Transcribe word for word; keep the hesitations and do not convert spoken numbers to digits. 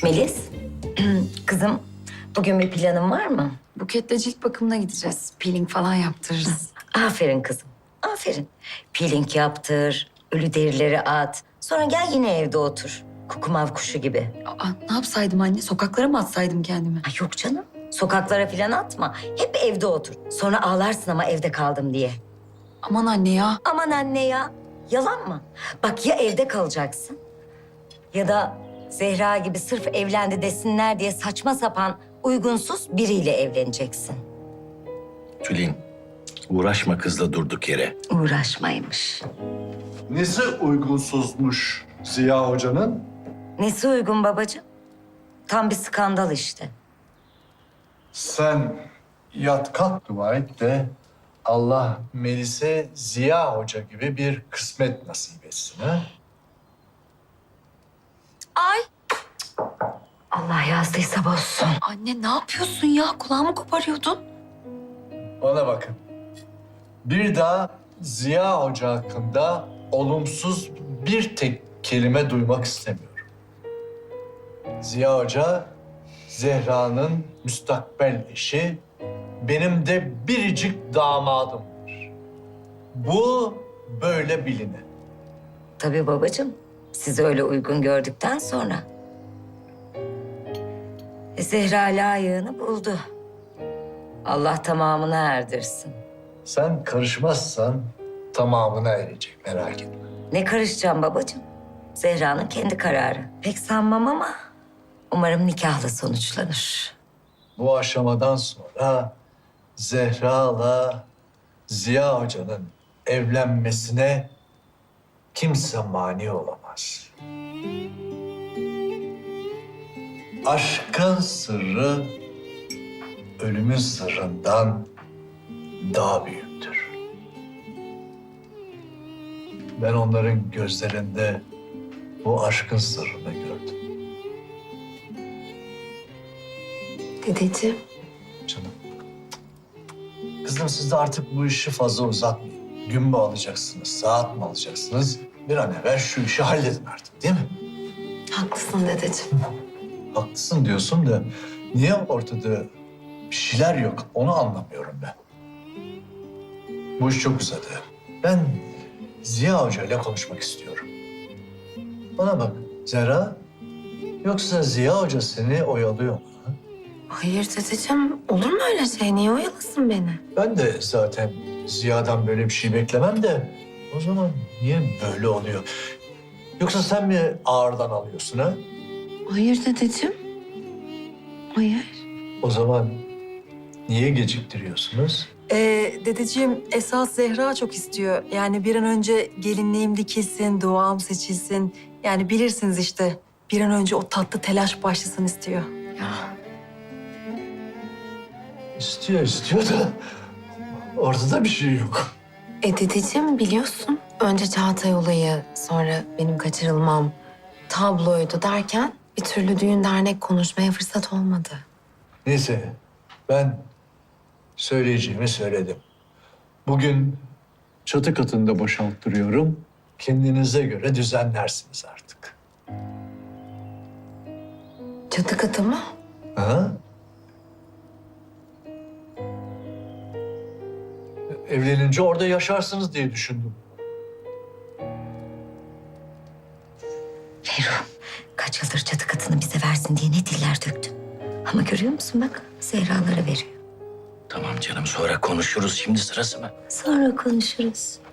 Melis, kızım bugün bir planın var mı? Buketle cilt bakımına gideceğiz. Peeling falan yaptırırız. Aferin kızım, aferin. Peeling yaptır, ölü derileri at. Sonra gel yine evde otur. Kukumav kuşu gibi. Aa, ne yapsaydım anne? Sokaklara mı atsaydım kendimi? Ay yok canım, sokaklara falan atma. Hep evde otur. Sonra ağlarsın ama evde kaldım diye. Aman anne ya. Aman anne ya, yalan mı? Bak ya evde kalacaksın ya da Zehra gibi sırf evlendi desinler diye saçma sapan uygunsuz biriyle evleneceksin. Tülin, uğraşma kızla durduk yere. Uğraşmaymış. Nesi uygunsuzmuş Ziya Hoca'nın? Nesi uygun babacığım? Tam bir skandal işte. Sen yat kalk dua et de Allah Melis'e Ziya Hoca gibi bir kısmet nasip etsin ha? Ay. Allah yazdıysa bozsun. Anne ne yapıyorsun ya? Kulağımı koparıyordun. Bana bakın. Bir daha Ziya Hoca hakkında olumsuz bir tek kelime duymak istemiyorum. Ziya Hoca, Zehra'nın müstakbel eşi, benim de biricik damadımdır. Bu böyle biline. Tabii babacığım. Sizi öyle uygun gördükten sonra. E, Zehra layığını buldu. Allah tamamına erdirsin. Sen karışmazsan tamamına erecek, merak etme. Ne karışacağım babacığım? Zehra'nın kendi kararı. Pek sanmam ama umarım nikahla sonuçlanır. Bu aşamadan sonra Zehra'la Ziya Hoca'nın evlenmesine kimse mani olamaz. Aşkın sırrı ölümün sırrından daha büyüktür. Ben onların gözlerinde bu aşkın sırrını gördüm. Dedeciğim. Canım. Kızım siz de artık bu işi fazla uzatmayın. Gün mü alacaksınız, saat mi alacaksınız? Bir an evvel şu işi halledin artık değil mi? Haklısın dedeciğim. Haklısın diyorsun da niye ortada bir şeyler yok onu anlamıyorum ben. Bu iş çok uzadı. Ben Ziya Hoca ile konuşmak istiyorum. Bana bak Zehra, yoksa Ziya Hoca seni oyalıyor mu? ha? Hayır dedeciğim, olur mu öyle şey? Niye oyalasın beni? Ben de zaten Ziya'dan böyle bir şey beklemem de o zaman niye böyle oluyor? Yoksa sen mi ağırdan alıyorsun ha? Hayır dedeciğim. Hayır. O zaman niye geciktiriyorsunuz? Ee, dedeciğim esas Zehra çok istiyor. Yani bir an önce gelinliğim dikilsin, duam seçilsin. Yani bilirsiniz işte bir an önce o tatlı telaş başlasın istiyor. İstiyor istiyor da ortada bir şey yok. E dedeciğim biliyorsun. Önce Çağatay olayı, sonra benim kaçırılmam, tabloydu derken bir türlü düğün dernek konuşmaya fırsat olmadı. Neyse ben söyleyeceğimi söyledim. Bugün çatı katında boşalttırıyorum. Kendinize göre düzenlersiniz artık. Çatı katı mı? Ha? Evlenince orada yaşarsınız diye düşündüm. Ferruh, kaç yıldır çatı katını bize versin diye ne diller döktün. Ama görüyor musun bak, Zehra'lara veriyor. Tamam canım, sonra konuşuruz. Şimdi sırası mı? Sonra konuşuruz.